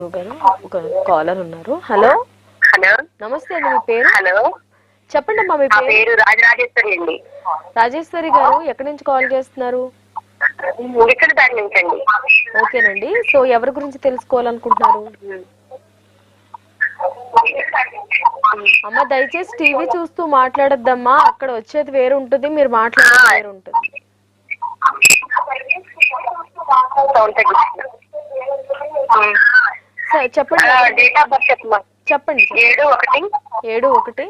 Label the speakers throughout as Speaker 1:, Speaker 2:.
Speaker 1: గారు ఒక కాలర్ ఉన్నారు. హలో
Speaker 2: హలో
Speaker 1: నమస్తే అండి, మీ పేరు
Speaker 2: హలో
Speaker 1: చెప్పండి అమ్మా. మీ
Speaker 2: నా
Speaker 1: పేరు?
Speaker 2: పేరు రాజరాజేశ్వరి అండి.
Speaker 1: రాజేశ్వరి గారు ఎక్కడి నుంచి కాల్ చేస్తున్నారు?
Speaker 2: ఇక్కడ దాని నుంచి అండి.
Speaker 1: ఓకేనండి. సో ఎవరి గురించి తెలుసుకోవాలనుకుంటున్నారు? అమ్మ దయచేసి టీవీ చూస్తూ మాట్లాడొద్దమ్మా, అక్కడ వచ్చేది వేరు ఉంటుంది, మీరు మాట్లాడేది వేరు ఉంటుంది. సరే చెప్పండి.
Speaker 2: డేట్ ఆఫ్ బర్త్ చెప్పమ్మా.
Speaker 1: చెప్పండి. 7/1/1988.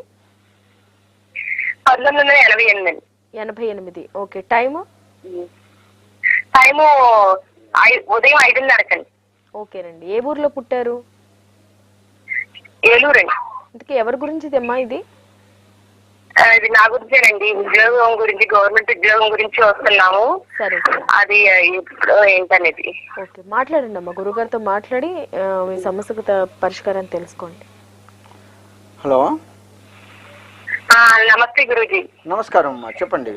Speaker 1: 88. ఓకే. టైము
Speaker 2: ఉదయం 5:30.
Speaker 1: ఓకేనండి. ఏ ఊర్లో పుట్టారు?
Speaker 2: ఏలూరు అండి.
Speaker 1: ఇంతకీ ఎవరి గురించి ఇదమ్మా ఇది?
Speaker 2: ఇది నా గురించేనండి. ఉద్యోగం గురించి, గవర్నమెంట్ ఉద్యోగం గురించి వస్తున్నాము.
Speaker 1: సరే
Speaker 2: అది ఇప్పుడు ఏంటనేది.
Speaker 1: ఓకే, మాట్లాడండి అమ్మా. గురుగారితో మాట్లాడి మీ సమస్యకు పరిష్కారాన్ని తెలుసుకోండి.
Speaker 3: హలో
Speaker 2: నమస్తే గురూజీ.
Speaker 3: నమస్కారం అమ్మా, చెప్పండి.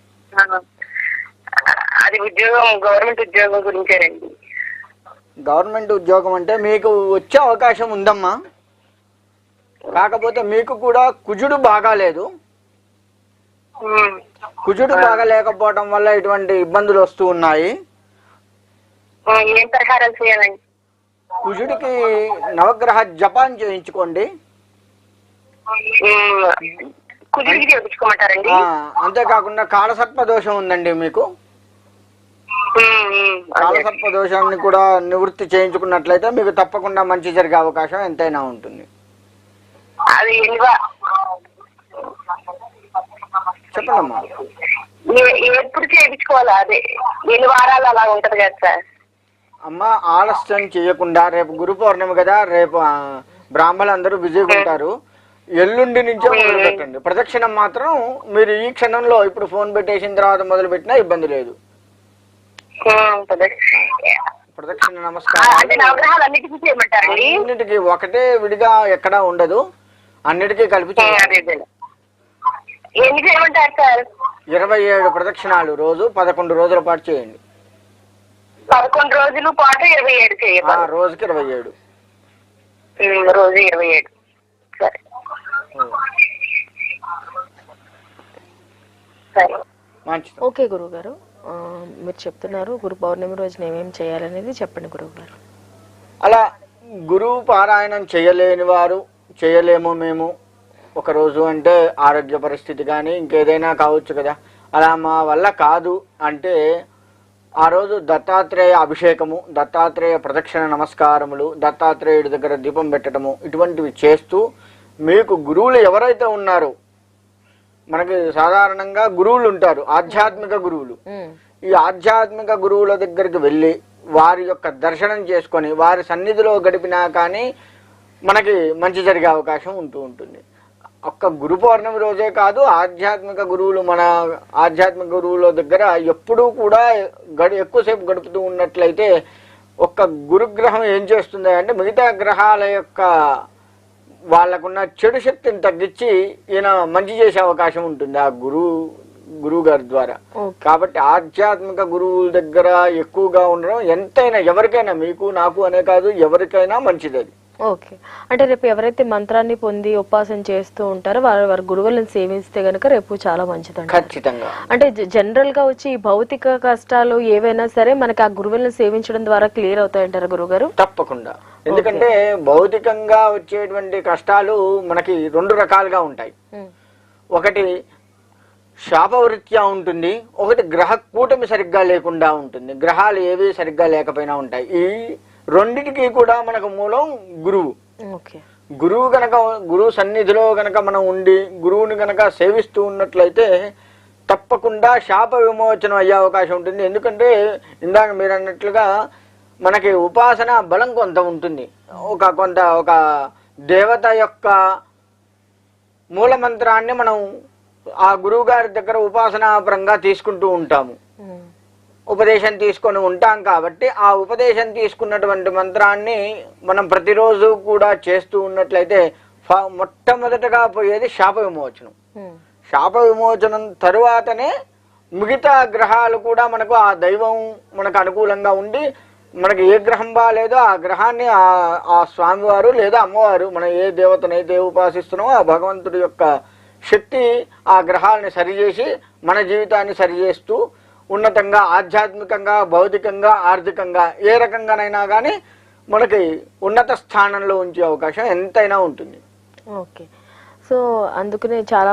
Speaker 2: అది ఉద్యోగం, గవర్నమెంట్ ఉద్యోగం గురించేనండి.
Speaker 3: గవర్నమెంట్ ఉద్యోగం అంటే మీకు వచ్చే అవకాశం ఉందమ్మా, కాకపోతే మీకు కూడా కుజుడు బాగాలేదు. కుజుడు బాగా లేకపోవడం వల్ల ఇటువంటి ఇబ్బందులు వస్తూ ఉన్నాయి.
Speaker 2: ఏం పరిహారాలు చేయాలండి?
Speaker 3: కుజుడికి నవగ్రహ జపాన్ చేయించుకోండి.
Speaker 2: కుజుడికి చేయించుకోమంటారండి?
Speaker 3: అంతేకాకుండా కాలసర్ప దోషం ఉందండి మీకు. కాలసర్ప దోషాన్ని కూడా నివృత్తి చేయించుకున్నట్లయితే మీకు తప్పకుండా మంచి జరిగే అవకాశం ఎంతైనా ఉంటుంది.
Speaker 2: అది
Speaker 3: చెప్పండమ్మా.
Speaker 2: ఎప్పుడు చేయించుకోవాలా? అదే ఎన్ని వారాలు అలా ఉంటది కదా సార్?
Speaker 3: అమ్మ ఆలస్యం చేయకుండా, రేపు గురు పౌర్ణమి కదా, రేపు బ్రాహ్మణులు అందరూ బిజీగా ఉంటారు, ఎల్లుండి నుంచే మొదలు పెట్టండి. ప్రదక్షిణం మాత్రం మీరు ఈ క్షణంలో ఇప్పుడు ఫోన్ పెట్టేసిన తర్వాత మొదలు పెట్టినా ఇబ్బంది లేదు. ప్రదక్షిణ నమస్కారం అన్నిటికీ ఒకటే విడిగా ఎక్కడా ఉండదు, అన్నిటికీ కలిపి చేయాలి. 27 ప్రదక్షిణాలు రోజు 11 రోజుల పాటు చేయండి.
Speaker 2: 11 రోజుల పాటు 27 చేయాలి.
Speaker 3: రోజుకి 27.
Speaker 2: రోజు 27. సరే సరే
Speaker 3: మంచిది.
Speaker 1: ఓకే గురువు గారు, మీరు చెప్తున్నారు గురు పౌర్ణమి రోజున ఏమేమి చేయాలనేది చెప్పండి గురువు గారు.
Speaker 3: అలా గురువు పారాయణం చేయలేని వారు, చేయలేము మేము ఒకరోజు అంటే ఆరోగ్య పరిస్థితి కానీ ఇంకేదైనా కావచ్చు కదా, అలా మా వల్ల కాదు అంటే ఆ రోజు దత్తాత్రేయ అభిషేకము, దత్తాత్రేయ ప్రదక్షిణ నమస్కారములు, దత్తాత్రేయుడి దగ్గర దీపం పెట్టడము, ఇటువంటివి చేస్తూ మీకు గురువులు ఎవరైతే ఉన్నారో, మనకి సాధారణంగా గురువులు ఉంటారు, ఆధ్యాత్మిక గురువులు. ఈ ఆధ్యాత్మిక గురువుల దగ్గరికి వెళ్ళి వారి యొక్క దర్శనం చేసుకొని వారి సన్నిధిలో గడిపినా కానీ మనకి మంచి జరిగే అవకాశం ఉంటూ ఉంటుంది. ఒక్క గురు పౌర్ణమి రోజే కాదు, ఆధ్యాత్మిక గురువులు, మన ఆధ్యాత్మిక గురువుల దగ్గర ఎప్పుడూ కూడా ఎక్కువసేపు గడుపుతూ ఉన్నట్లయితే ఒక్క గురుగ్రహం ఏం చేస్తుంది అంటే మిగతా గ్రహాల యొక్క వాళ్ళకున్న చెడు శక్తిని తగ్గించి ఈయన మంచి చేసే అవకాశం ఉంటుంది ఆ గురువు గారి ద్వారా. కాబట్టి ఆధ్యాత్మిక గురువుల దగ్గర ఎక్కువగా ఉండడం ఎంతైనా ఎవరికైనా, మీకు నాకు అనే కాదు, ఎవరికైనా మంచిది అది.
Speaker 1: ఓకే, అంటే రేపు ఎవరైతే మంత్రాన్ని పొంది ఉపాసన చేస్తూ ఉంటారో వారి గురువులను సేవిస్తే గనుక రేపు చాలా మంచిది.
Speaker 3: ఖచ్చితంగా.
Speaker 1: అంటే జనరల్ గా వచ్చి భౌతిక కష్టాలు ఏవైనా సరే మనకి ఆ గురువులను సేవించడం ద్వారా క్లియర్ అవుతాయంటారా గురుగారు?
Speaker 3: తప్పకుండా. ఎందుకంటే భౌతికంగా వచ్చేటువంటి కష్టాలు మనకి 2 రకాలుగా ఉంటాయి. ఒకటి శాపవృత్యా ఉంటుంది, ఒకటి గ్రహ కూటమి సరిగ్గా లేకుండా ఉంటుంది. గ్రహాలు ఏవి సరిగ్గా లేకపోయినా ఉంటాయి. ఈ రెండిటికి కూడా మనకు మూలం గురువు. గురువు సన్నిధిలో గనక మనం ఉండి గురువుని గనక సేవిస్తూ ఉన్నట్లయితే తప్పకుండా శాప విమోచనం అయ్యే అవకాశం ఉంటుంది. ఎందుకంటే ఇందాక మీరు అన్నట్లుగా మనకి ఉపాసన బలం కొంత ఉంటుంది. ఒక దేవత యొక్క మూల మంత్రాన్ని మనం ఆ గురువు గారి దగ్గర ఉపాసనాపరంగా తీసుకుంటూ ఉంటాము, ఉపదేశం తీసుకొని ఉంటాం. కాబట్టి ఆ ఉపదేశం తీసుకున్నటువంటి మంత్రాన్ని మనం ప్రతిరోజు కూడా చేస్తూ ఉన్నట్లయితే మొట్టమొదటగా పోయేది శాప విమోచనం. శాప విమోచనం తరువాతనే మిగతా గ్రహాలు కూడా మనకు ఆ దైవం మనకు అనుకూలంగా ఉండి మనకి ఏ గ్రహం బాగాలేదో ఆ గ్రహాన్ని ఆ స్వామివారు లేదా అమ్మవారు మనం ఏ దేవతనైతే ఉపాసిస్తున్నామో ఆ భగవంతుడి యొక్క శక్తి ఆ గ్రహాలని సరిచేసి మన జీవితాన్ని సరిచేస్తూ ఉన్నతంగా ఆధ్యాత్మికంగా భౌతికంగా ఆర్థికంగా ఏ రకంగానైనా కానీ మనకి ఉన్నత స్థానంలో ఉంచే అవకాశం ఎంతైనా ఉంటుంది.
Speaker 1: ఓకే. సో అందుకనే చాలా